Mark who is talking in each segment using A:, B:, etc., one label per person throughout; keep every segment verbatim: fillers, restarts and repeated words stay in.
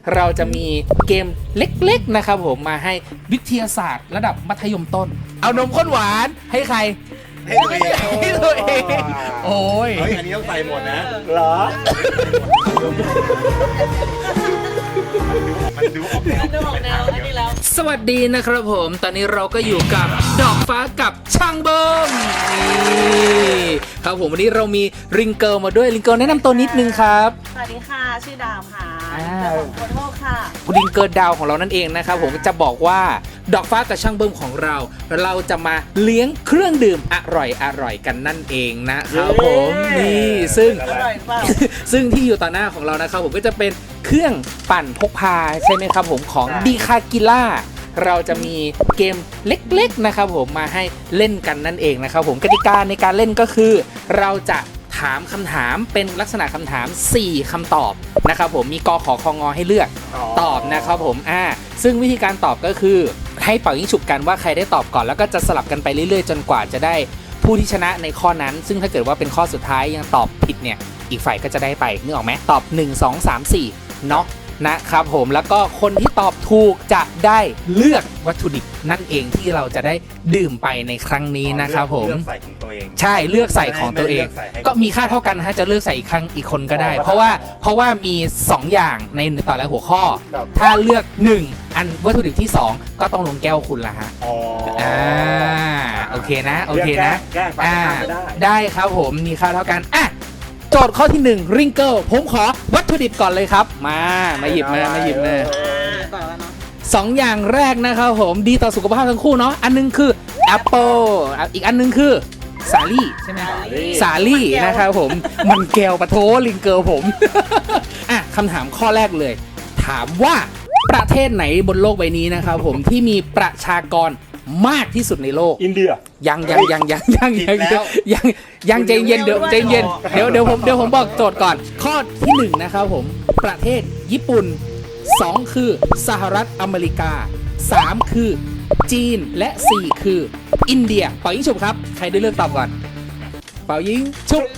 A: เราจะมีเกมเล็กๆนะครับผมมาให้วิทยาศาสตร์ระดับมัธยมต้นเอานมข้นหวานให้ใคร
B: ให้ตัวเอง
A: ให้ตัวเองโอ้ย
B: เฮ้ยอันนี้ต้องใส่หมดนะ
C: เหรอ
B: มันดูออกแนว
D: ดูออกแนวอันนี้แล้ว
A: สวัสดีนะครับผมตอนนี้เราก็อยู่กับดอกฟ้ากับช่างเบิ้มนี่ครับผมวันนี้เรามีริงเกิลมาด้วยริงเกิลแนะนำตัวนิดนึงครับ
D: สวัสดีค่ะชื่อดาวค่ะ
A: อ่า
D: เจ้าของโคโทค่ะ
A: ริงเกิลดาวของเรานั่นเองนะครับผมจะบอกว่าดอกฟ้ากับช่างเบิ้มของเรา เราจะมาเลี้ยงเครื่องดื่มอร่อยอร่อยกันนั่นเองนะครับผมนี่ซึ่ง
D: อร่อยเปล่า
A: ซึ่งที่อยู่ต่อหน้าของเรานะครับผมก็จะเป็นเครื่องปั่นพกพาใช่ไหมครับผมของดีคากิล่าเราจะมีเกมเล็กๆนะครับผมมาให้เล่นกันนั่นเองนะครับผมกติกาในการเล่นก็คือ เราจะถามคำถามเป็นลักษณะคำถามสี่คำตอบนะครับผมมีกขอคงให้เลือกตอบนะครับผมอ่าซึ่งวิธีการตอบก็คือให้เป่ายิงฉุบกันว่าใครได้ตอบก่อนแล้วก็จะสลับกันไปเรื่อยๆจนกว่าจะได้ผู้ที่ชนะในข้อนั้นซึ่งถ้าเกิดว่าเป็นข้อสุดท้ายยังตอบผิดเนี่ยอีกฝ่ายก็จะได้ไปนึกออกไหมตอบหนึ่ง สอง สาม สี่เนาะนะครับผมแล้วก็คนที่ตอบถูกจะได้เลือกวัตถุดิบนั่นเองที่เราจะได้ดื่มไปในครั้งนี้นะครับผม
B: เลือกใส่ของตัวเอง
A: ใช่เลือกใส่ของตัวเองก็มีค่าเท่ากันนะฮะจะเลือกใส่อีกครั้งอีกคนก็ได้ เพราะว่าเพราะว่ามีสองอย่างในแต่ละหัวข้อ ถ้าเลือกหนึ่งอันวัตถุดิบที่สองก็ต้องลงแก้วคุณละฮะ
C: อ๋อ
A: อ่าโอเคนะโอเคนะ
C: แก้ไป
A: อ่า
C: ได้
A: ได้ครับผมมีค่าเท่ากันอ่ะโจทย์ข้อที่หนึ่งริงเกิลผมขอวัตถุดิบก่อนเลยครับมามาหยิบมามาหยิบมา
D: ต่อแล้วเนาะ
A: สองอย่างแรกนะครับผมดีต่อสุขภาพทั้งคู่เนาะอันนึงคือแอปเปิลอีกอันนึงคือสาลี่ใช่ไหมสาลี่นะครับผมมันแก้วปะโถลิงเกิลผม อ่ะคำถามข้อแรกเลย ถามว่าประเทศไหนบนโลกใบนี้นะครับผมที่มีประชากรมากที่สุดในโลก
C: อินเดีย
A: ยังยังยังยังยังยังยังยังใจเย็นเดี๋ยวใจเย็นเดี๋ยวเดี๋ยวผมเดี๋ยวผมบอกโจทย์ก่อน ข้อที่หนึ่งนะครับผมประเทศญี่ปุ่นสองคือสหรัฐอเมริกาสามคือจีนและสี่คืออินเดียเป่ายิงฉุบครับใครได้เลือกตอบก่อนเป่ายิงฉุบ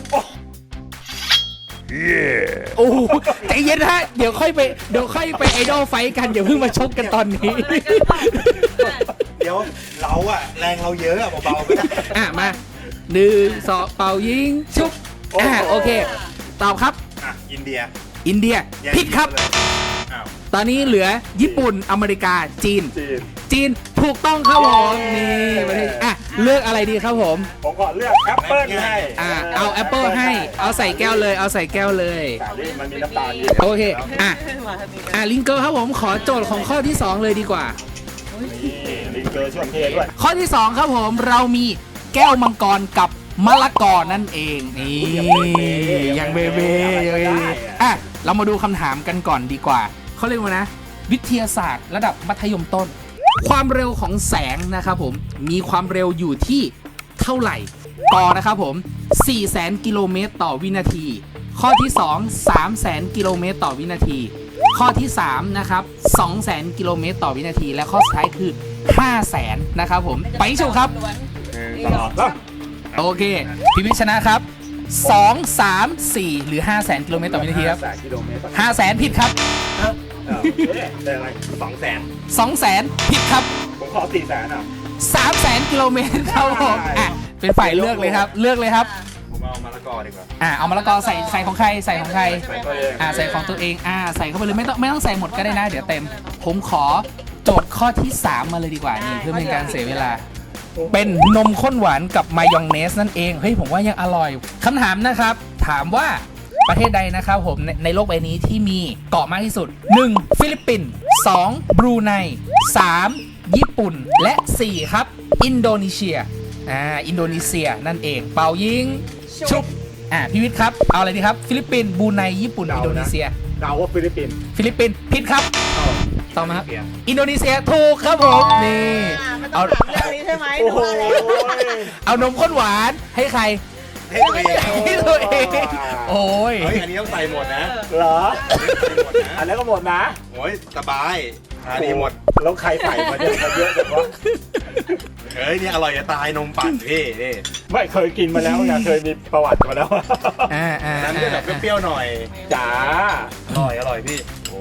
A: โอ้โหใจเย็นฮะเดี๋ยวค่อยไปเดี๋ยวค่อยไปไอดอลไฟกันอย่าเพิ่งมาชกกันตอนนี้
B: เดี๋ยวเราอะแรงเราเยอะอะเบาๆไม่ได้
A: อ่ะมาหนึ่งสองเป่ายิงชุบอ่ะโอเคตอบครับ
B: อ่ะอินเดีย
A: อินเดีย
B: แยก
A: ผิดครับ
B: เลยอ้าว
A: ตอนนี้เหลือญี่ปุ่นอเมริกาจีน
C: จีน
A: จีนถูกต้องครับผมนี่ประเทศอ่ะเลือกอะไรดีครับผม
C: ผมขอเลือกแอปเปิ้ลให้
A: อ่ะเอาแอปเปิลให้เอาใส่แก้วเลยเอาใส่แก้วเลย
C: แต่นี่มันมีน้ำตาลเยอะ
A: โอเคอ่ะ
D: มาทางนี้
A: อ่ะลิงเกอร์ครับผมขอโจทย์ของข้อที่สองเลยดีกว่า
C: นี่ลิงเกอร์ช่วยเทด้วย
A: ข้อที่สองครับผมเรามีแก้วมังกรกับมะละกอนั่นเองนี่ยังเบเบ้ยังเบเบ้อ่ะเรามาดูคำถามกันก่อนดีกว่าเขาเรียกว่านะ วิทยาศาสตร์ระดับมัธยมต้น ความเร็วของแสงนะครับผมมีความเร็วอยู่ที่เท่าไหร่กอนะครับผมสี่แสนกิโลเมตรต่อวินาที ข้อที่สอง สามแสนกิโลเมตรต่อวินาที ข้อที่สามนะครับสองแสนกิโลเมตรต่อวินาที และข้อสุดท้ายคือห้าแสนนะครับผมไปชมครับ
C: ตลอดแล้ว
A: โอเคพี่วิชนะครับสอง สาม สี่ หรือ ห้าแสนกิโลเมตรต่อวินาทีครับ
C: แสนกิโลเมตรต่อ
A: ห้าแสนผิดครับ
C: ได้อะไร
B: สองแสน
A: สองแสนผิดครับ
C: ผมขอสี่แสนอ่ะ
A: สามแสนกิโลเมตรครับผมอ่ะเป็นฝ่ายเลือกเลยครับเลือกเลยครับ
B: ผมเอามะละกอดีกว่า
A: อ่ะเอามะละกอใส่ใส่ของใครใส่ของใคร
C: ใส่ตัวเอง
A: อ่ะใส่ของตัวเองอ่ะใส่เข้าไปเลยไม่ต้องไม่ต้องใส่หมดก็ได้นะเดี๋ยวเต็ม ผมขอโจทย์ข้อที่สามมาเลยดีกว่านี่เพื่อเป็นการเสียเวลา เป็นนมข้นหวานกับมายองเนสนั่นเองเฮ้ยผมว่ายังอร่อยคำถามนะครับถามว่าประเทศใดนะครับผมในในโลกใบนี้ที่มีเกาะมากที่สุดหนึ่งฟิลิปปินส์สองบรูไนสามญี่ปุ่นและสี่ครับอินโดนีเซียอ่าอินโดนีเซียนั่นเองเป่ายิงชุบอ่าพี่วิทย์ครับเอาอะไรดีครับฟิลิปปินส์บรูไนญี่ปุ่นอินโดนีเซีย
C: เดาว่าฟิลิปปินส์
A: ฟิลิปปินส์ผิดครับต่อมาครับอินโดนีเซียถูกครับผมนี่
D: อ่าไม่ต้
A: เอา
D: องถามเรื่องนี้ใช่ไหม
C: โอ้โห
A: เอานมข้นหวานให้ใคร
B: ให้ตัวเอง
A: ให้ตัวเองโอ้ย
B: เฮ้ยอันนี้ต้องใส่หมดนะ
C: เหรอ
B: ใส่หมดนะ
C: อันนั้นก็หมดนะ
B: โอ้ยสบายอันนี้หมด
C: แล้วใครใส่มาเยอะมาเยอะแบบว่า
B: เฮ้ยนี่อร่อยจะตายนมปั่นพี่นี่
C: ไม่เคยกินมาแล้วไงเคยมีประวัติมาแล้ว
A: อ่าอ่า
B: นั้นจะแบบเปรี้ยวๆหน่อย
C: จ๋า
B: อร่อยอร่อยพี่โอ้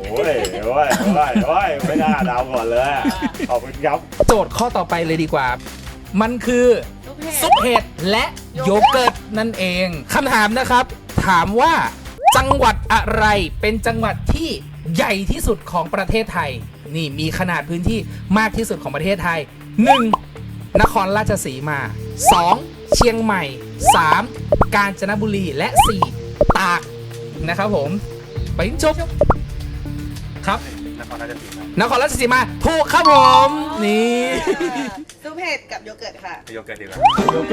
C: โอ้ยโอ้ยโอ้ยโอ้ยไม่น่าเดาก่อนเลยอะขอบคุณครับ
A: โจทย์ข้อต่อไปเลยดีกว่า มันคือซุปเห็ดและโยเกิร์ตนั่นเองคำถามนะครับ ถามว่าจังหวัดอะไรเป็นจังหวัดที่ใหญ่ที่สุดของประเทศไทย นี่มีขนาดพื้นที่มากที่สุดของประเทศไทย หนึ่ง นครราชสีมา สอง เชียงใหม่ สาม กาญจนบุรีและ สี่ ตากนะครับผมไปจบครับ
B: นครราชสีมาน
A: ครราชสีมาถูกครับผม นี่
D: ซุปเห็ดกับโยเกิร์ตค่ะ
B: โยเกิร์ตดีกว่า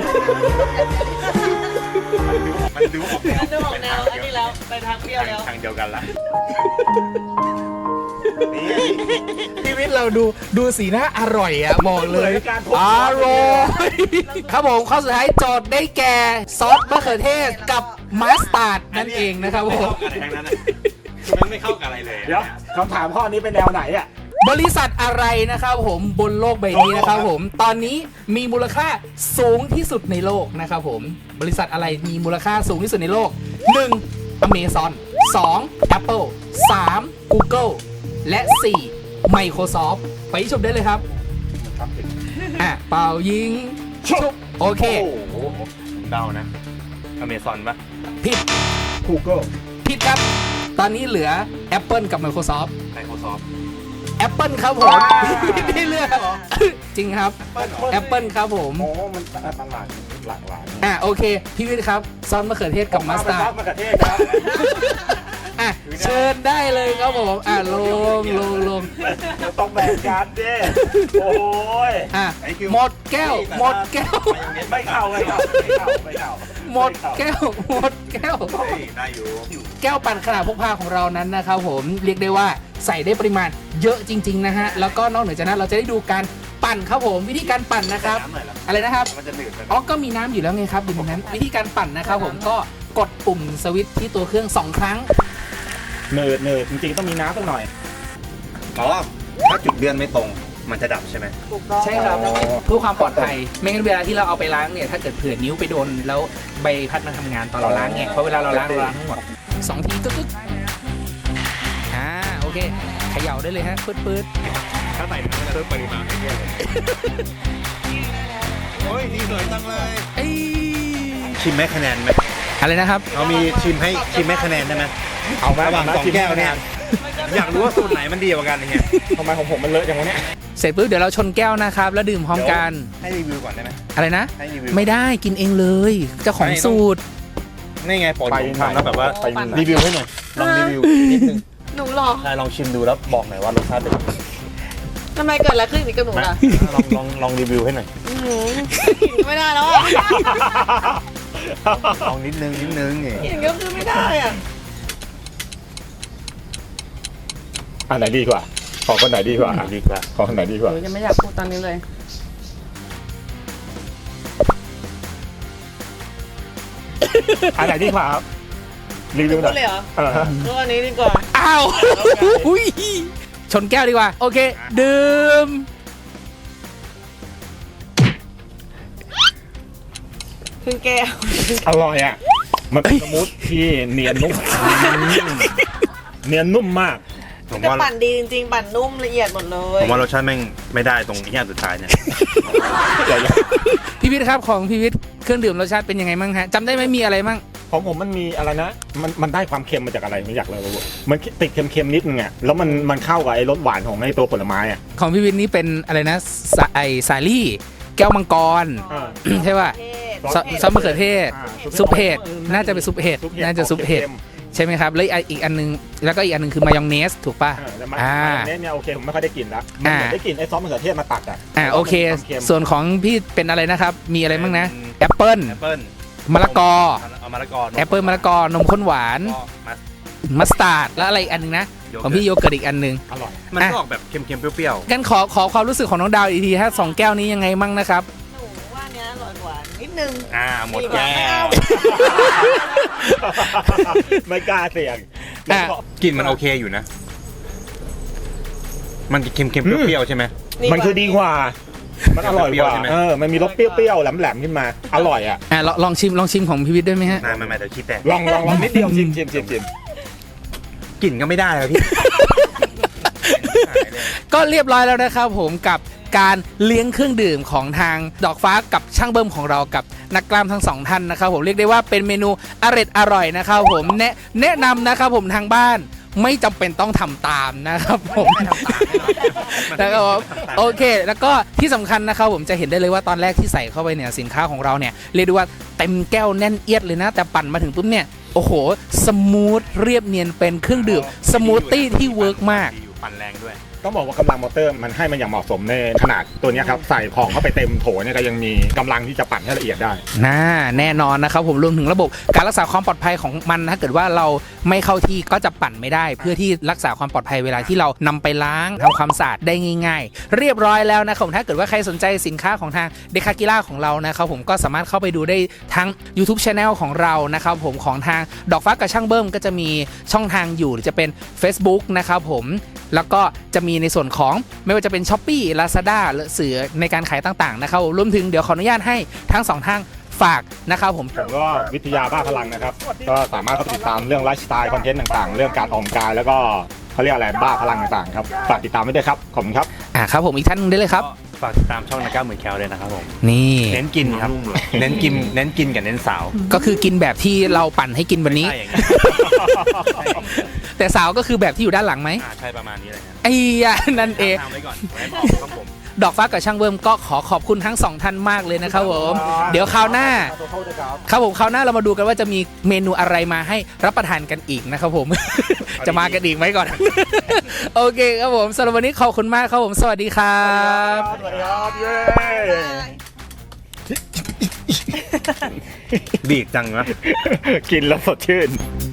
B: มันดูออกแนว
D: มันดูออกแนวอันนี้แล้วไปทางเปรี้ยวแล้ว
B: ทางเดียวกันละนี่
A: ชีวิตเราดูดูสีหน้าอร่อยอะบอกเลย
C: เหมือนการทดส
A: อ
C: อบ
A: ร่อยครับผมข้อสุดท้ายโจทย์ได้แก่ซอสมะเขือเทศกับมัสตาร์ดนั่นเองนะครับผม
B: อะไรทั้งนั้นคือมันไม่เข้ากับอะไรเลย
C: เดี๋ยวคำถามข้อนี้เป็นแนวไหนอ่ะ
A: บริษัทอะไรนะครับผมบนโลกใบนี้นะครับผมตอนนี้มีมูลค่าสูงที่สุดในโลกนะครับผมบริษัทอะไรมีมูลค่าสูงที่สุดในโลก หนึ่ง Amazon สอง Apple สาม Google และ สี่ Microsoft ไปชมได้เลยครับอ่ะเป่ายิงชุบโอเค
B: โอ้โหผมเดานะอเมซอนปะ
A: ผิด
C: Google
A: ผิดครับ ตอนนี้เหลือ Apple กับ Microsoft
B: ไมโครซอฟท์
A: Apple ครับผม ได้เลือกจริงครับ Apple ครับผม
C: โอ้มันตลาดหลากหลาย
A: อ่ะโอเค พี่วิทย์ครับซอสมะเขือเทศกับมัสตาร์ด
C: มะเขือเทศครับ
A: อ่ะเชิญได้เลยครับผมอ่ะลงลงลง
C: ต้องแบ่งกันดิโอ้ย
A: อ่ะหมดแก้ว หมดแก้ว
C: ไม่เข้าไม่เข้าไม่เข้าไม่เข้า
A: หมดแก้ว หมดแก้ว
B: ได้อยู่
A: แก้วปั่นขนาดพกพาของเรานั้นนะครับผมเรียกได้ว่าใส่ได้ปริมาณเยอะจริง ๆ นะฮะ แล้วก็นอกเหนือจากนั้นเราจะได้ดูการปั่นครับผมวิธีการปั่นนะครับ
B: น้ำหน่อยละ
A: อะไรนะครับ
B: มันจะหนืดไป
A: อ๋อ ก็มีน้ำอยู่แล้วไงครับอยู่ตรงนั้น วิธีการปั่นนะครับผมก็กดปุ่มสวิตช์ที่ตัวเครื่องสองครั้ง
C: เนิร์ดเนิร์ดจริงๆต้องมีน้ำสักหน่อย
B: อ๋อถ้าจุดเลื่อนไม่ตรงมันจะดับใช่ไหม
D: ถูกต้อง
A: ใช่ครับเพื่อความปลอดภัย ไม่งั้นเวลาที่เราเอาไปล้างเนี่ยถ้าเกิดเผื่อนิ้วไปโดนแล้วใบพัดมาทำงานตอนเราล้างไงเพราะเวลาเราล้างเราล้างทั้งหมดสองทีก็กึกอ่าโอเคเขย่าได้เลยฮะปื๊ดปื๊ด
B: ถ้าใส่มันจะเพิ่มปริมาณให้เยอะเลยโอ้ยนี่สวยจังเลย
A: เอ้ย
B: ชิมให้คะแนนไหม
A: อะไรนะครับ
B: เรามีชิมให้ชิมให้คะแนนได้ไหม
C: เอาไหม
B: ระหว่างสองแก้วเนี่ยอยากรู้ว่าสูตรไหนมันดีกว่ากันเนี่ย
C: ทำไมของผมมันเลอะอย่างวะเนี่ย
A: เสร็จปุ๊บเดี๋ยวเราชนแก้วนะครับแล้วดื่มพร้อมกัน
B: ให้รีวิวก่อนได้ไหม
A: อะไรนะ
B: ให้รีวิว
A: ไม่ได้กินเองเลยเจ้าของ
B: ไม่ต้อง
A: สูตร
B: นี่ไงปกติผมทำแล้วแบบว่า
C: ไปมี
B: รีวิวให้หน่อยลองรีวิวนิดนึง
D: หนูหรอ
B: ใช่ลองชิมดูแล้วบอกหน่อยว่ารสชาติเป็นยังไง
D: ทำไมเกิดอะไรขึ้นกับหนูล่ะ
B: ลองลองลองรีวิวให้หน่อย
D: อื้อหือกินก็ไม่ได้แล้วอ่ะ
B: ลองนิดนึงนิดนึงนี่
D: กินก็คือไม่ได้อ่ะ
C: อันไหนดีกว่า ของคนไหนดีกว่า
B: ดีกว่า
C: ของคนไหนดีก
D: ห
C: ว่า
D: นูยังไม่อยากพูดตอนนี้เลย
C: อันไหนดีกว่าครับรีวิวห
D: พู
C: น่
D: ด
C: อย
D: เลยเหรอ
C: เออ
D: ก็อันนี้ดีกว่า
A: อ้าวอุ๊ยชนแก้วดีกว่า โอเค ดื่ม
D: คือแก้ว
C: อร่อยอ่ะ มันเป็นสมูทที่เนียนนุ่มเนียนนุ่มมาก
B: ผม
D: จะ
B: ว่า
D: ปั่นดีจริงๆ ปั่นนุ่มละเอียดหมดเลย
B: ผมว่ารสชาติแม่งไม่ได้ตรงที่อันสุดท้ายเนี่ย
A: พี่วิทย์ครับของพี่วิทย์เครื่องดื่มรสชาติเป็นยังไงมั่งฮะจำได้ไหมมีอะไรมั่ง
C: ของผมมันมีอะไรนะ มันมันได้ความเค็มมาจากอะไรไม่อยากเลยรู้มันติดเค็มๆนิดนึงอ่ะ แล้วมันมันเข้ากับไอ้รสหวานของไอ้ตัวผลไม้อ่ะ
A: ของพี่วิทย์นี่เป็นอะไรนะสาไอสาลี่ แก้วมังกร ใช่ป่ะ ซอซอสมะเขือเทศ
C: อ่า
A: ซุปเห็ดน่าจะเป็นซุปเห็ด
C: ซุปเห็ด
A: น่าจะซุปเห็ด
C: ค็ม
A: ใช่ไหมครับแล้วอีกอันนึงแล้วก็อีกอันนึงคือมายองเนสถูกป่ะ
C: ๆเออแล้วมัน
A: อ่า
C: อันนี้เนี่ยโอเคผมไม่ค่อยได้กลิ่นละมันเหมือนได้กลิ่นไอ้ซอสมะเขือเทศมาตัดอ่ะ
A: อ่าโอเค
C: มันมีวามค็ม
A: ส่วนของพี่เป็นอะไรนะครับ มีอะไรบ้างนะแอปเปิ้ล
B: แอปเปิ้ล
A: มะละกอ
B: เอามะละกอ
A: แอปเปิ้ลมะละกอนมข้นหวาน
B: ก็มา
A: มัสตาร์ดแล้วอะไรอีกอันนึงนะของพี่โยเกิร์ตอีกอันนึง
C: อร่อย
B: มันก็ออกแบบเค็มๆเปรี้ยว
A: กันขอขอความรู้สึกของน้องดาวอีกทีฮะสองแก้วนี้ยังไงมั่งนะครับ
D: หนูว่าเนี้ยอร่อยกว่านิดนึง
B: ๆอ่าหมดแก้ว
C: ไม่กล้าเสี่ยง
A: อ่ะ
B: กลิ่นมันโอเคอยู่นะ มันเค็มๆเปรี้ยวๆใช่ไหม
C: มันคือดีกว่า มันอร่อยกว่า
B: เปรี้ยวๆใช่ไหม
C: เออมันมีรสเปรี้ยวๆแหลมๆขึ้นมา อร่อยอ่ะ
A: อ่ะลองลองชิมลองชิมของพี่วิทย์ด้วยไหมฮะ
B: น่าไม่ไม่เดี๋ยวคิดแต่
C: ลองลองลองนิดเดียวชิมชิมชิมชิม
B: กลิ่นก็ไม่ได้เลยพี่
A: ก็เรียบร้อยแล้วนะครับผมกับการเลี้ยงเครื่องดื่มของทางดอกฟ้ากับช่างเบิ้มของเรากับนักกล้ามทั้งสองท่านนะครับผมเรียกได้ว่าเป็นเมนูอร่อยอร่อยนะครับผมแนะแนะนำนะครับผมทางบ้านไม่จำเป็นต้องทำตามนะครับผมนะครับผมโอเค แล้วก็ที่สำคัญนะครับผมจะเห็นได้เลยว่าตอนแรกที่ใส่เข้าไปเนี่ยสินค้าของเราเนี่ยเรียกได้ว่าเต็มแก้วแน่นเอียดเลยนะแต่ปั่นมาถึงปุ๊บเนี่ยโอ้โหสมูทเรียบเนียนเป็นเครื่องดื่มสมูทตี้ที่เวิร์กมาก
B: ปั่นแรงด้วย
C: ต้องบอกว่ากำลังมอเตอร์มันให้มันอย่างเหมาะสมในขนาดตัวเนี้ยครับใส่ของเข้าไปเต็มโถเนี่ยก็ยังมีกำลังที่จะปั่นให้ละเอียดได้
A: น่าแน่นอนนะครับผมรวมถึงระบบการรักษาความปลอดภัยของมันถ้าเกิดว่าเราไม่เข้าที่ก็จะปั่นไม่ได้ เพื่อที่รักษาความปลอดภัยเวลาที่เรานำไปล้างทำความสะอาดได้ง่ายๆ เรียบร้อยแล้วนะครับผมถ้าเกิดว่าใครสนใจสินค้าของทางเดคากิล่าของเรานะครับผมก็สามารถเข้าไปดูได้ทั้ง YouTube Channel ของเรานะครับผมของทางดอกฟ้ากับช่างเบิ้มก็จะมีช่องทางอยู่หรือจะเป็น Facebook นะครับผมแล้วก็จะมีในส่วนของไม่ว่าจะเป็น Shopee Lazada หรือสื่อในการขายต่างๆนะครับรวมถึงเดี๋ยวขออนุญาตให้ทั้งสองทางฝากนะครับผม
C: ผมก็วิทยาบ้าพลังนะครับก็สามารถเข้าไปติดตามเรื่องไลฟ์สไตล์คอนเทนต์ต่างๆ เรื่องการออกกำลังกายแล้วก็เขาเรียกอะไรบ้าพลังต่างๆครับฝากติดตามไว้ด้วยครับขอบคุณครับ
A: อ่าครับผมอีกท่านหนึงได้เลยครับ
B: ฝากติดตามช่องนักก้าวหมื่นแคลเลยนะครับผม
A: นี่
B: เน้นกินครับ เน้นกิน เน้นกินกับเน้นสาว
A: ก็คือกินแบบที่เราปั่นให้กินวันนี้
B: ใช่อย่างเงี้ย
A: แต่สาวก็คือแบบที่อยู่ด้านหลังไหม
B: อ่าใช่ประมาณนี้เลยครับ
A: ไอ้ยะนั่นเอง
B: ทำไว้ก่อนไว้บอกครับผม
A: ดอกฟ้ากับช่างเบิ้มก็ขอขอบคุณทั้งสองท่านมากเลยนะครับผมเดี๋ยวคราวหน้าครับผมคราวหน้าเรามาดูกันว่าจะมีเมนูอะไรมาให้รับประทานกันอีกนะครับผม จะมากันอีกไหมก่อน โอเคครับผมสำหรับวันนี้ขอบคุณมากครับผมสวัสดีครับ
C: สวัสดีครับเย้
B: บีกจังนะ
C: กินแล้วสดชื่น